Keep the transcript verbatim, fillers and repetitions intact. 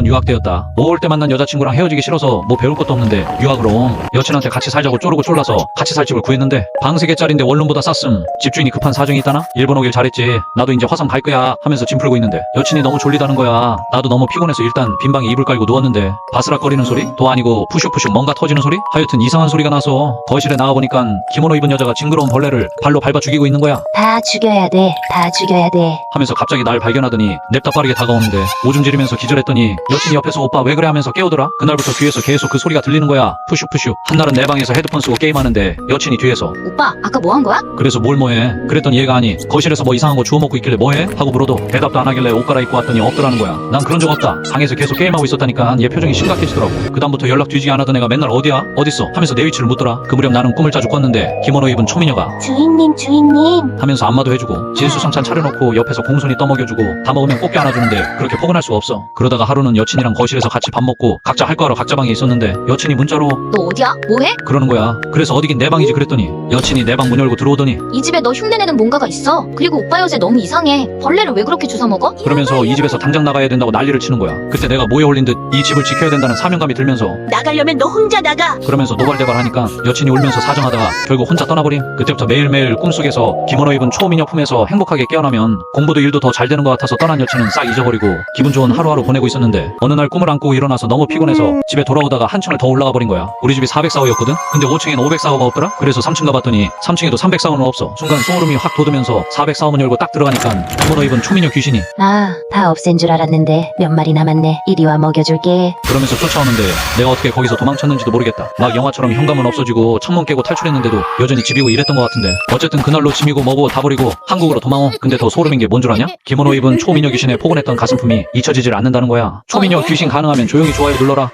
유학 때였다. 오월 때 만난 여자친구랑 헤어지기 싫어서 뭐 배울 것도 없는데 유학으로 여친한테 같이 살자고 쪼르고 쫄라서 같이 살 집을 구했는데 방 세 개짜린데 원룸보다 쌌음. 집주인이 급한 사정이 있다나? 일본 오길 잘했지. 나도 이제 화성 갈 거야 하면서 짐 풀고 있는데 여친이 너무 졸리다는 거야. 나도 너무 피곤해서 일단 빈방에 이불 깔고 누웠는데 바스락거리는 소리? 또 아니고 푸슉푸슉 뭔가 터지는 소리? 하여튼 이상한 소리가 나서 거실에 나와보니까 기모노 입은 여자가 징그러운 벌레를 발로 밟아 죽이고 있는 거야. 다 죽여야 돼. 다 죽여야 돼. 하면서 갑자기 날 발견하더니 냅다 빠르게 다가오는데 오줌 지르면서 기절했더니 여친이 옆에서 오빠 왜 그래 하면서 깨우더라. 그날부터 뒤에서 계속 그 소리가 들리는 거야. 푸슉푸슉. 한날은 내 방에서 헤드폰 쓰고 게임하는데 여친이 뒤에서 오빠, 아까 뭐 한 거야? 그래서 뭘 뭐해? 그랬더니 얘가 아니 거실에서 뭐 이상한 거 주워 먹고 있길래 뭐해? 하고 물어도 대답도 안 하길래 옷 갈아입고 왔더니 없더라는 거야. 난 그런 적 없다. 방에서 계속 게임하고 있었다니까. 얘 표정이 심각해지더라고. 그다음부터 연락 뒤지게 안 하던 애가 맨날 어디야? 어딨어? 하면서 내 위치를 묻더라. 그 무렵 나는 꿈을 자주 꿨는데 기모노 입은 초미녀가 주인님, 주인님. 하면서 안마도 해주고 진수성찬 차려놓고 옆에서 공손히 떠먹여주고 다 먹으면 꽃게 안아주는데 그렇게 포근할 수가 없어. 그러다가 하루는 여친이랑 거실에서 같이 밥 먹고 각자 할 거 하러 각자 방에 있었는데 여친이 문자로 너 어디야? 뭐해? 그러는 거야. 그래서 어디긴 내 방이지 그랬더니 여친이 내 방 문 열고 들어오더니 이 집에 너 흉내내는 뭔가가 있어. 그리고 오빠 여자 너무 이상해. 벌레를 왜 그렇게 주워 먹어? 그러면서 이 집에서 당장 나가야 된다고 난리를 치는 거야. 그때 내가 모에 홀린 듯 이 집을 지켜야 된다는 사명감이 들면서 나가려면 너 혼자 나가. 그러면서 노발대발하니까 여친이 울면서 사정하다가 결국 혼자 떠나버림. 그때부터 매일매일 꿈속에서 기모노 입은 초미녀 품에서 행복하게 깨어나면 공부도 일도 더 잘 되는 것 같아서 떠난 여친은 싹 잊어버리고 기분 좋은 하루하루 보내고 있었는데 어느 날 꿈을 안고 일어나서 너무 피곤해서 집에 돌아오다가 한 층을 더 올라가 버린 거야. 우리 집이 사백사 호였거든? 근데 오 층엔 오백사 호가 없더라? 그래서 삼 층 가봤더니 삼 층에도 삼백사 호는 없어. 순간 소름이 확 돋으면서 사백사 호 문 열고 딱 들어가니까 기모노 입은 초미녀 귀신이 아, 다 없앤 줄 알았는데 몇 마리 남았네. 이리 와 먹여줄게. 그러면서 쫓아오는데 내가 어떻게 거기서 도망쳤는지도 모르겠다. 막 영화처럼 현관문 없어지고 창문 깨고 탈출했는데도 여전히 집이고 이랬던 것 같은데 어쨌든 그날로 짐이고 뭐고 다 버리고 한국으로 도망오. 근데 더 소름인 게 뭔 줄 아냐? 기모노 입은 초미녀 귀신의 포근했던 가슴품이 잊혀지질 않는다는 거야. 초미녀 귀신 가능하면 조용히 좋아요 눌러라.